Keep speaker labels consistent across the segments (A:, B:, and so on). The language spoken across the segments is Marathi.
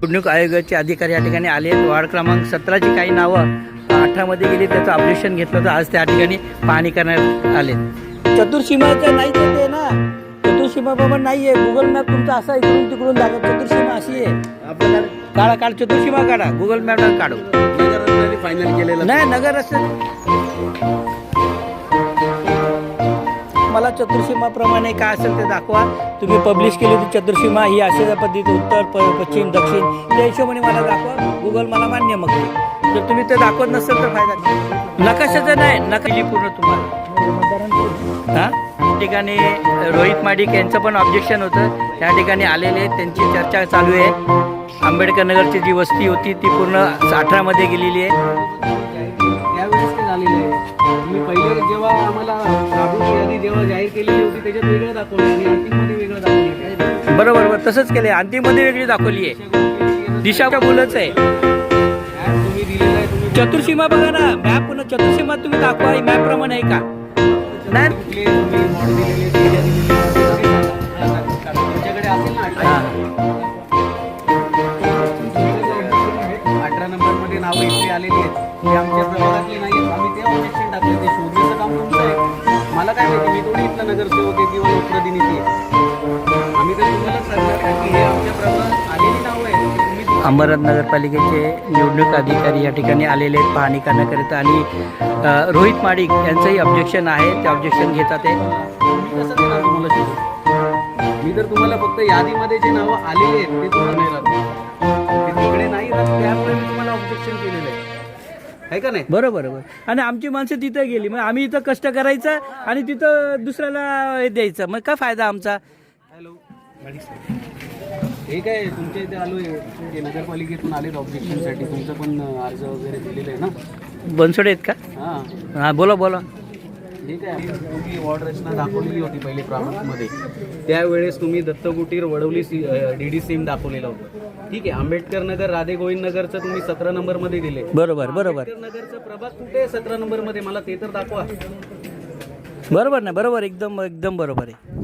A: निवडणूक आयोगाचे अधिकारी या ठिकाणी आले आहेत. वार्ड क्रमांक 17ची काही नावं 18 मध्ये गेली, त्याचं ऑब्जेक्शन घेतलं होतं. आज त्या ठिकाणी पाहणी करण्यात आले. चतुर्सीमाचं नाहीच ते ना, चतुर्सीमा बाबा नाही आहे. गुगल मॅप तुमचा असा इकडून तिकडून दाखव. चतुर्सीमा अशी आहे आपल्याला. काढा काढ चतुर्सीमा काढा, गुगल मॅपला काढू.
B: फायनल केलेलं
A: नाही नगर रस्ते मला चतुर्सीमाप्रमाणे काय असेल ते दाखवा. तुम्ही पब्लिश केली होती चतुर्सीमा ही अशा पद्धती उत्तर पश्चिम दक्षिण त्या हिशोबाने मला दाखवा. गुगल मला मान्य मग जर तुम्ही ते दाखवत नसेल तर फायदा नाही. नकाशाचं नाही नकाशी पूर्ण तुम्हाला. हां ठिकाणी रोहित माडिक यांचं पण ऑब्जेक्शन होतं. त्या ठिकाणी आलेले त्यांची चर्चा चालू आहे. आंबेडकर नगरची जी वस्ती होती ती पूर्ण 18 मध्ये गेलेली आहे.
B: त्यावेळेस ते झालेलं आहे. तुम्ही पहिले जेव्हा आम्हाला यादी जेव्हा जाहीर केलेली होती त्याच्यात वेगळं दाखवलं आणि अंतिममध्ये वेगळं दाखवलं.
A: बरोबर बरोबर तसंच केलंय. अंतिममध्ये वेगळी दाखवली आहे. दिशा का बोलच आहे.
B: तुम्ही दिलेलं आहे. तुम्ही
A: चतुर्सीमा बघा ना मॅप पुन्हा चतुर्सीमा तुम्ही दाखवा. मॅप प्रमाणे आहे का नाही.
B: तुम्ही मॉड दिलेले तुमच्याकडे असेल ना 18 नंबर मध्ये नावं इथे आलेली आहेत. ते आमच्या प्रभागातली नाही आहेत. आम्ही ते ऑब्जेक्शन टाकले. ते शोधण्याचं काम तुमचं आहे. मला काय माहिती, मी थोडी इथला नगरसेवक आहे किंवा लोकप्रतिनिधी आहे. आम्ही तर तुम्हाला सांगणार की हे आमच्या प्रभागात आलेली नावं आहेत. तुम्ही
A: अंबरनाथ नगरपालिकेचे निवडणूक अधिकारी या ठिकाणी आलेले आहेत पाहणी करण्याकरिता. आणि रोहित माडिक यांचंही ऑब्जेक्शन आहे. ते ऑब्जेक्शन घेतात आहे.
B: मी कसं देणार तुम्हाला शोधून? मी तर तुम्हाला फक्त यादीमध्ये जे नावं आलेले आहेत ते तुम्हाला नाही राहत. ते तिकडे नाही राहत. त्यामुळे मी तुम्हाला ऑब्जेक्शन केलेलं आहे का नाही.
A: बरोबर बरोबर. आणि आमची माणसं तिथं गेली मग आम्ही इथं कष्ट करायचं आणि तिथं दुसऱ्याला हे द्यायचं मग काय फायदा आमचा.
B: हॅलो हे काय तुमच्या इथे आलो आहे नगरपालिकेतून आलेत ऑब्जेक्शनसाठी. तुमचं पण अर्ज वगैरे दिलेलं आहे ना.
A: बनसोडे आहेत का.
B: हां
A: हां बोला बोला.
B: ठीक आहे. तुम्ही वॉर्ड रचना दाखवलेली होती पहिले प्रामुख्यामध्ये. त्यावेळेस तुम्ही दत्तकुटीर वडवली DD सिम दाखवलेलं होतं. ठीक आहे. आंबेडकर नगर राधे गोविंद नगरचं तुम्ही 17 नंबर मध्ये दिले.
A: बरोबर बरोबर.
B: आंबेडकर नगरचं प्रभाग कुठे आहे 17 नंबर मध्ये? मला ते तर दाखवा.
A: बरोबर ना बरोबर एकदम एकदम बरोबर आहे.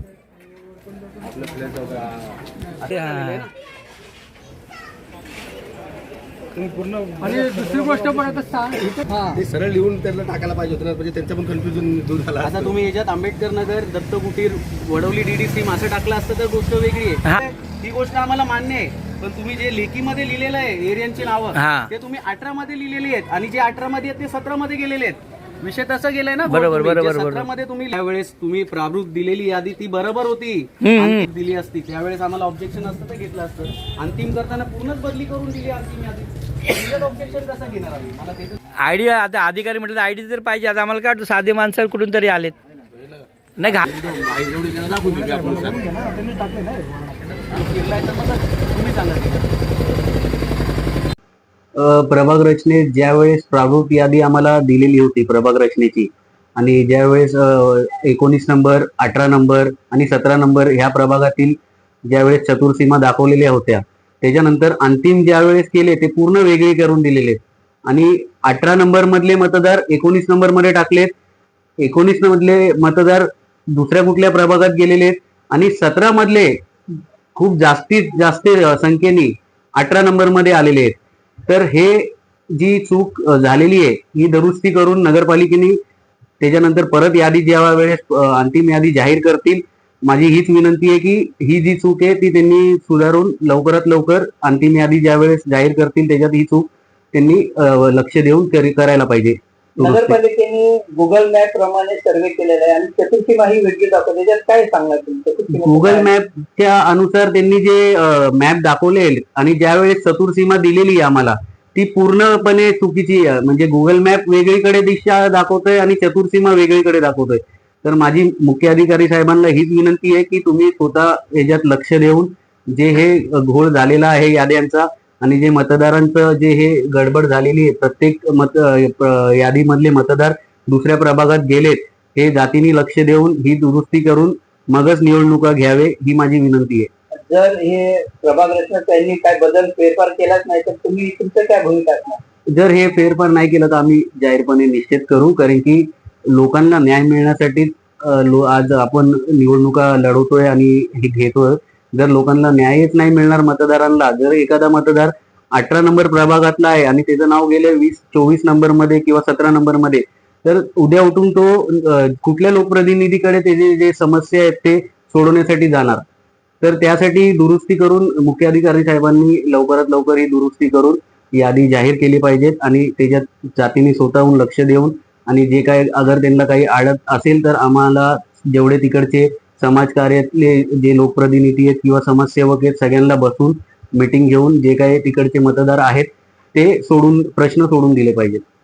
B: आणि दुसरी गोष्ट पण आता ते सरळ लिहून त्यांना टाकायला पाहिजे होतं म्हणजे त्यांचं पण कन्फ्युजन दूर झालं. आता तुम्ही याच्यात आंबेडकर नगर दत्तकुटीर वडवली DD सिम असं टाकलं असतं तर गोष्ट वेगळी आहे. ही गोष्ट आम्हाला मान्य आहे. पण तुम्ही जे लेखीमध्ये लिहिलेलं आहे एरियांची नावं ते तुम्ही 18 मध्ये लिहिलेली आहेत आणि जे 18 मध्ये आहेत ते 17 मध्ये गेलेले आहेत. विषय तसा गेलाय ना.
A: बरोबर बरोबर.
B: 17 मध्ये तुम्ही त्यावेळेस तुम्ही प्रारूप दिलेली यादी ती बरोबर होती. अंतिम दिली असती त्यावेळेस आम्हाला ऑब्जेक्शन असतं तर घेतलं असतं. अंतिम करताना पूर्णच बदली करून दिली अंतिम यादी. ऑब्जेक्शन कसं घेणार आम्ही? मला ते
A: आयडी आता अधिकारी म्हटलं आयडी तर पाहिजे. आता आम्हाला काय साधे माणसं कुठून तरी आलेत नाही का.
C: प्रभाग रचनेत ज्यावेळेस प्रारूप यादी आम्हाला दिलेली होती प्रभाग रचनेची आणि ज्यावेळेस 19 नंबर 18 नंबर आणि 17 नंबर ह्या प्रभागातील ज्यावेळेस चतुर्सीमा दाखवलेल्या होत्या त्याच्यानंतर अंतिम ज्यावेळेस केले ते पूर्ण वेगळे करून दिलेले आणि 18 नंबर मधले मतदार 19 नंबर मध्ये टाकलेत. 19 मधले मतदार दुसऱ्या कुठल्या प्रभागात गेलेले आहेत आणि 17 मधले खूप जास्तीत जास्त संख्येने 18 नंबर मध्ये आलेले आहेत. तर हे जी चूक झालेली आहे ही दुरुस्ती करून नगरपालिकेने त्याच्यानंतर परत यादी ज्या वेळेस अंतिम यादी जाहीर करतील माझी हीच विनंती आहे की ही जी चूक आहे ती त्यांनी सुधारून लवकरात लवकर अंतिम यादी ज्या वेळेस जाहीर करतील त्याच्यात ही चूक त्यांनी लक्ष देऊन करायला पाहिजे.
D: नगरपालिकेने गुगल मॅप प्रमाणे सर्वे केलेला आहे आणि चतुर्सीमा ही वेगळी दाखवते. त्याच्यात काय सांगणार तुम्ही?
C: गुगल मॅपच्या अनुसार त्यांनी जे मॅप दाखवले आणि ज्यावेळेस चतुर्सीमा दिलेली आम्हाला ती पूर्णपणे चुकीची आहे. म्हणजे गुगल मॅप वेगळीकडे दिशा दाखवतोय आणि चतुर्सीमा वेगळीकडे दाखवतोय. तर माझी मुख्य अधिकारी साहेबांना हीच विनंती आहे की तुम्ही स्वतः याच्यात लक्ष देऊन जे हे घोळ झालेला आहे याद्यांचा आणि जे मतदारांचं जे हे गडबड झालेली आहे प्रत्येक यादीमधले मतदार दुसऱ्या प्रभागात गेलेत हे जातीने लक्ष देऊन ही दुरुस्ती करून मगच निवडणुका घ्यावे ही माझी विनंती आहे.
D: जर हे प्रभाग रचना त्यांनी काय बदल फेरफार केलाच नाही तर तुम्ही तुमचं काय भूमिका असणार?
C: जर हे फेरफार नाही केलं तर आम्ही जाहीरपणे निश्चित करू. कारण की लोकांना न्याय मिळण्यासाठी आज आपण निवडणुका लढवतोय आणि हे घेतोय जर लोकांना न्यायच नाही मिळणार मतदारांना, जर एखादा मतदार 18 नंबर प्रभागातला आहे आणि त्याचं नाव गेले 24 नंबर मध्ये किंवा 17 नंबर मध्ये, तर उद्या उठून तो कुठल्या लोकप्रतिनिधीकडे त्याचे जे समस्या आहेत ते सोडवण्यासाठी जाणार. तर त्यासाठी दुरुस्ती करून मुख्याधिकारी साहेबांनी लवकरात लवकर ही दुरुस्ती करून यादी जाहीर केली पाहिजेत आणि त्याच्यात जातीने स्वतःहून लक्ष देऊन आणि जे काय अगर त्यांना काही अडत असेल तर आम्हाला जेवढे तिकडचे समाजकार्यातले जे लोकप्रतिनिधी आहेत किंवा समाजसेवक आहेत सगळ्यांना बसून मीटिंग घेऊन जे काही तिकडचे मतदार आहेत ते प्रश्न सोडून दिले पाहिजेत.